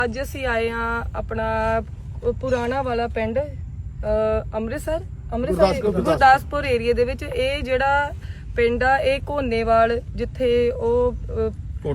ਅੱਜ ਅਸੀਂ ਆਏ ਹਾਂ ਆਪਣਾ ਪੁਰਾਣਾ ਵਾਲਾ ਪਿੰਡ ਅੰਮ੍ਰਿਤਸਰ ਗੁਰਦਾਸਪੁਰ ਏਰੀਆ ਦੇ ਵਿੱਚ। ਇਹ ਜਿਹੜਾ ਪਿੰਡ ਆ ਇਹ ਕੋਨੇਵਾਲ, ਜਿੱਥੇ ਉਹ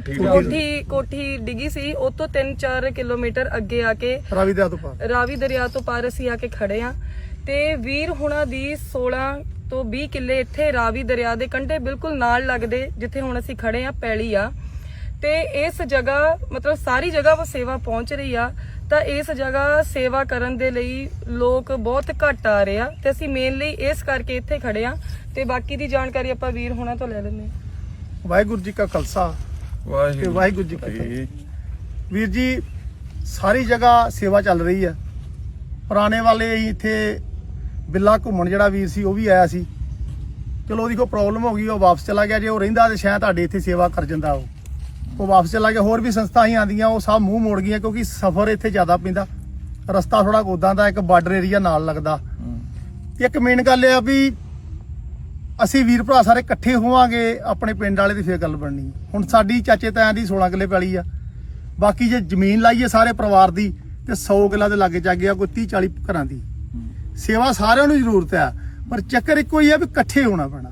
ਕੋਠੀ ਡਿੱਗੀ ਸੀ, ਉਹ ਤੋਂ 3-4 ਕਿਲੋਮੀਟਰ ਅੱਗੇ ਆ ਕੇ ਰਾਵੀ ਦਰਿਆ ਤੋਂ ਪਾਰ ਅਸੀਂ ਆ ਕੇ ਖੜੇ ਆ। ਤੇ ਵੀਰ ਹੁਣਾਂ ਦੀ 16 ਤੋਂ 20 ਕਿੱਲੇ ਇੱਥੇ ਰਾਵੀ ਦਰਿਆ ਦੇ ਕੰਢੇ ਬਿਲਕੁਲ ਨਾਲ ਲੱਗਦੇ ਜਿੱਥੇ ਹੁਣ ਅਸੀਂ ਖੜੇ ਆ ਪੈਲੀ ਆ। ਤੇ ਇਸ ਜਗ੍ਹਾ ਮਤਲਬ ਸਾਰੀ ਜਗ੍ਹਾ ਸੇਵਾ ਪਹੁੰਚ ਰਹੀ ਆ, ਤਾਂ ਇਸ ਜਗ੍ਹਾ ਸੇਵਾ ਕਰਨ ਦੇ ਲਈ ਲੋਕ ਬਹੁਤ ਘੱਟ ਆ ਰਹੇ ਆ ਤੇ ਅਸੀਂ ਮੇਨਲੀ ਇਸ ਕਰਕੇ ਇੱਥੇ ਖੜੇ ਆ। ਤੇ ਬਾਕੀ ਦੀ ਜਾਣਕਾਰੀ ਆਪਾਂ ਵੀਰ ਹੋਣਾ ਤੋਂ ਲੈ ਲੈਂਦੇ ਹਾਂ। ਵਾਹਿਗੁਰੂ ਜੀ ਕਾ ਖਾਲਸਾ ਵਾਹਿਗੁਰੂ ਜੀ ਕੀ ਫਤਿਹ। ਵੀਰ ਜੀ ਸਾਰੀ ਜਗ੍ਹਾ ਸੇਵਾ ਚੱਲ ਰਹੀ ਆ। ਪੁਰਾਣੇ ਵਾਲੇ ਇੱਥੇ ਬਿੱਲਾ ਘੁੰਮਣ ਜਿਹੜਾ ਵੀਰ ਸੀ ਉਹ ਵੀ ਆਇਆ ਸੀ, ਚਲੋ ਉਹਦੀ ਕੋਈ ਪ੍ਰੋਬਲਮ ਹੋ ਗਈ, ਉਹ ਵਾਪਸ ਚਲਾ ਗਿਆ। ਜੇ ਉਹ ਰਹਿੰਦਾ ਤੇ ਸ਼ਾਇਦ ਤੁਹਾਡੇ ਇੱਥੇ ਸੇਵਾ ਕਰ ਜਾਂਦਾ। ਉਹ ਵਾਪਸ ਚਲਾ ਗਿਆ। ਹੋਰ ਵੀ ਸੰਸਥਾ ਹੀ ਆਉਂਦੀਆਂ, ਉਹ ਸਭ ਮੂੰਹ ਮੋੜ ਗਈਆਂ ਕਿਉਂਕਿ ਸਫ਼ਰ ਇੱਥੇ ਜ਼ਿਆਦਾ ਪੈਂਦਾ, ਰਸਤਾ ਥੋੜਾ ਉਦਾਂ ਦਾ, ਇੱਕ ਬਾਰਡਰ ਏਰੀਆ ਨਾਲ ਲੱਗਦਾ। ਇੱਕ ਮੇਨ ਗੱਲ ਇਹ ਆ ਵੀ ਅਸੀਂ ਵੀਰ ਭਰਾ ਸਾਰੇ ਇਕੱਠੇ ਹੋਵਾਂਗੇ ਆਪਣੇ ਪਿੰਡ ਵਾਲੇ ਦੀ ਫੇਰ ਗੱਲ ਬਣਨੀ। ਹੁਣ ਸਾਡੀ ਚਾਚੇ ਤਾਇਆਂ ਦੀ 16 ਕਿੱਲੇ ਪੈਲੀ ਆ, ਬਾਕੀ ਜੇ ਜ਼ਮੀਨ ਲਾਈਏ ਸਾਰੇ ਪਰਿਵਾਰ ਦੀ ਤੇ 100 ਕਿੱਲਾ ਦੇ ਲਾਗੇ ਚਾਗੇ ਆ, ਕੋਈ 30-40 ਘਰਾਂ ਦੀ ਸੇਵਾ ਸਾਰਿਆਂ ਨੂੰ ਜ਼ਰੂਰਤ ਆ। ਪਰ ਚੱਕਰ ਇੱਕੋ ਹੀ ਆ ਵੀ ਇਕੱਠੇ ਹੋਣਾ ਪੈਣਾ।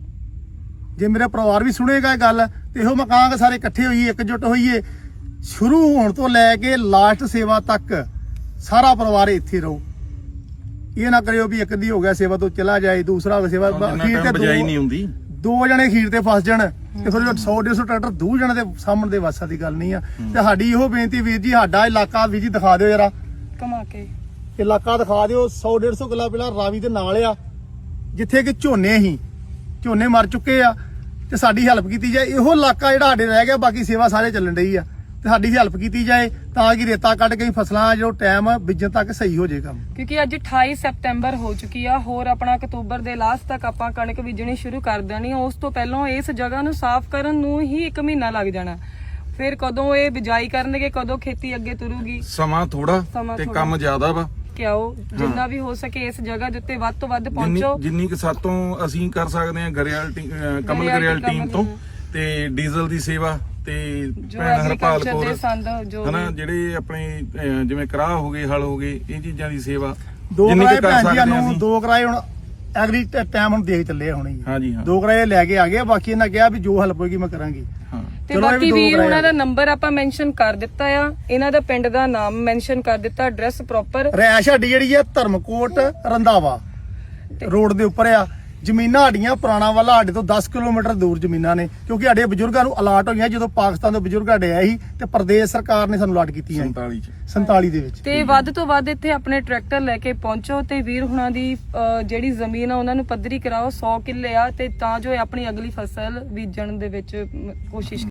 ਜੇ ਮੇਰਾ ਪਰਿਵਾਰ ਵੀ ਸੁਣੇਗਾ ਇਹ ਗੱਲ ਤੇ ਇਹੋ ਮੈਂ ਕਹਾਂਗਾ ਸਾਰੇ ਇਕੱਠੇ ਹੋਈਏ, ਇਕਜੁੱਟ ਹੋਈਏ। ਸ਼ੁਰੂ ਹੋਣ ਤੋਂ ਲੈ ਕੇ ਲਾਸਟ ਸੇਵਾ ਤੱਕ ਸਾਰਾ ਪਰਿਵਾਰ ਇੱਥੇ ਰਹੋ। ਇਹ ਨਾ ਕਰਿਓ ਵੀ ਇੱਕ ਦੀ ਹੋ ਗਿਆ ਸੇਵਾ ਤੋਂ ਚਲਾ ਜਾਏ, ਦੂਸਰਾ ਸੇਵਾ ਖੀਰ ਤੇ ਬਜਾਈ ਨਹੀਂ ਹੁੰਦੀ, 2 ਜਣੇ ਖੀਰ ਤੇ ਫਸ ਜਾਣ ਤੇ ਥੋੜੇ 100-150 ਟਰੈਕਟਰ 2 ਜਣੇ ਦੇ ਸਾਹਮਣੇ ਦੇ ਵਾਸਾ ਦੀ ਗੱਲ ਨਹੀਂ ਆ। ਤੇ ਸਾਡੀ ਇਹੋ ਬੇਨਤੀ ਵੀਰ ਜੀ, ਸਾਡਾ ਇਲਾਕਾ ਵੀਰ ਜੀ ਦਿਖਾ ਦਿਓ ਜਰਾ, ਕਮਾ ਕੇ ਇਲਾਕਾ ਦਿਖਾ ਦਿਓ। 100-150 ਕਿੱਲਾ ਪਹਿਲਾਂ ਰਾਵੀ ਦੇ ਨਾਲ ਆ, ਜਿੱਥੇ ਕਿ ਝੋਨੇ ਮਰ ਚੁੱਕੇ ਆ ਤੇ ਸਾਡੀ ਹੈਲਪ ਕੀਤੀ ਜਾਏ। ਇਹੋ ਇਲਾਕਾ ਜਿਹੜਾ ਸਾਡੇ ਰਹਿ ਗਿਆ, ਬਾਕੀ ਸੇਵਾ ਸਾਰੇ ਚੱਲਣ ਰਹੀ ਆ ਤੇ ਸਾਡੀ ਹੈਲਪ ਕੀਤੀ ਜਾਏ ਤਾਂ ਕਿ ਰੇਤਾ ਕੱਢ ਕੇ ਫਸਲਾਂ ਜੋ ਟਾਈਮ ਬੀਜਣ ਤੱਕ ਸਹੀ ਹੋ ਜਾਏ ਕੰਮ। ਕਿਉਂਕਿ ਅੱਜ 28 ਸਤੰਬਰ ਹੋ ਚੁੱਕੀ ਆ, ਹੋਰ ਆਪਣਾ ਅਕਤੂਬਰ ਦੇ ਲਾਸਟ ਤੱਕ ਆਪਾਂ ਕਣਕ ਬੀਜਣੀ ਸ਼ੁਰੂ ਕਰ ਦੇਣੀ। ਉਸ ਤੋਂ ਪਹਿਲਾਂ ਇਸ ਜਗ੍ਹਾ ਨੂੰ ਸਾਫ਼ ਕਰਨ ਨੂੰ ਹੀ 1 ਮਹੀਨਾ ਲੱਗ ਜਾਣਾ। ਫਿਰ ਕਦੋਂ ਇਹ ਬਿਜਾਈ ਕਰਨਗੇ, ਕਦੋਂ ਖੇਤੀ ਅੱਗੇ ਤੁਰੂਗੀ, ਸਮਾਂ ਥੋੜਾ ਤੇ ਕੰਮ ਜ਼ਿਆਦਾ ਵਾ। ਕਿਉਂ ਜਿੰਨਾ ਵੀ ਹੋ ਸਕੇ ਇਸ ਜਗ੍ਹਾ ਦੇ ਉੱਤੇ ਵੱਧ ਤੋਂ ਵੱਧ ਪਹੁੰਚੋ। ਜਿੰਨੀ ਕਿ ਸਾਤੋਂ ਅਸੀਂ ਕਰ ਸਕਦੇ ਹਾਂ ਕਮਲ ਗਰੇਵਾਲ ਟੀਮ ਤੋਂ, ਤੇ ਡੀਜ਼ਲ ਦੀ ਸੇਵਾ ਤੇ ਭੈਣ ਹਰਪਾਲ ਕੌਰ ਹਨਾ, ਜਿਹੜੇ ਆਪਣੇ ਜਿਵੇਂ ਕਰਾਹ ਹੋ ਗਏ, ਹਲ ਹੋ ਗਏ, ਇਹ ਚੀਜ਼ਾਂ ਦੀ ਸੇਵਾ 2 ਕਿਰਾਏ ਭੈਣ ਜੀ ਨੂੰ 2 ਕਿਰਾਏ ਹੁਣ ਐਗਰੀ ਟਾਈਮ ਹੁਣ ਦੇਖ ਚੱਲੇ ਹੁਣੇ। ਹਾਂਜੀ ਹਾਂ 2 ਕਿਰਾਏ ਲੈ ਕੇ ਆ ਗਏ, ਬਾਕੀ ਇਹਨਾਂ ਕਿਹਾ ਵੀ ਜੋ ਹੈਲਪ ਹੋਏਗੀ ਮੈਂ ਕਰਾਂਗੀ। ਤੇ ਬਾਕੀ ਵੀਰ ਉਹਨਾਂ ਦਾ ਨੰਬਰ ਆਪਾਂ ਮੈਂਸ਼ਨ ਕਰ ਦਿੱਤਾ ਆ, ਇਹਨਾਂ ਦਾ ਪਿੰਡ ਦਾ ਨਾਮ ਮੈਂਸ਼ਨ ਕਰ ਦਿੱਤਾ, ਐਡਰੈਸ ਪ੍ਰੋਪਰ। ਰੈਸ਼ ਸਾਡੀ ਜਿਹੜੀ ਆ ਧਰਮਕੋਟ ਰੰਧਾਵਾ ਰੋਡ ਦੇ ਉੱਪਰ ਆ। ਜ਼ਮੀਨਾਂ ਸਾਡੀਆਂ ਪੁਰਾਣਾ ਵਾਲਾ ਸਾਡੇ ਤੋਂ 10 ਕਿਲੋਮੀਟਰ ਦੂਰ ਜ਼ਮੀਨਾਂ ਨੇ, ਕਿਉਂਕਿ ਸਾਡੇ ਬਜ਼ੁਰਗਾਂ ਨੂੰ ਅਲਾਟ ਹੋਈਆਂ ਜਦੋਂ ਪਾਕਿਸਤਾਨ ਦੇ ਬਜ਼ੁਰਗ ਸਾਡੇ ਆਏ ਸੀ ਤੇ ਪ੍ਰਦੇਸ਼ ਸਰਕਾਰ ਨੇ ਸਾਨੂੰ ਅਲਾਟ ਕੀਤੀਆਂ 47 ਦੇ ਵਿੱਚ। ਤੇ ਵੱਧ ਤੋਂ ਵੱਧ ਇੱਥੇ ਆਪਣੇ ਟਰੈਕਟਰ ਲੈ ਕੇ ਪਹੁੰਚੋ ਤੇ ਵੀਰ ਹੁਣਾਂ ਦੀ ਜਿਹੜੀ ਜ਼ਮੀਨ ਆ ਉਹਨਾਂ ਨੂੰ ਪੱਧਰੀ ਕਰਾਓ। 100 ਕਿੱਲੇ ਆ ਤੇ ਤਾਂ ਜੋ ਆਪਣੀ ਅਗਲੀ ਫਸਲ ਬੀਜਣ ਦੇ ਵਿੱਚ ਕੋਸ਼ਿਸ਼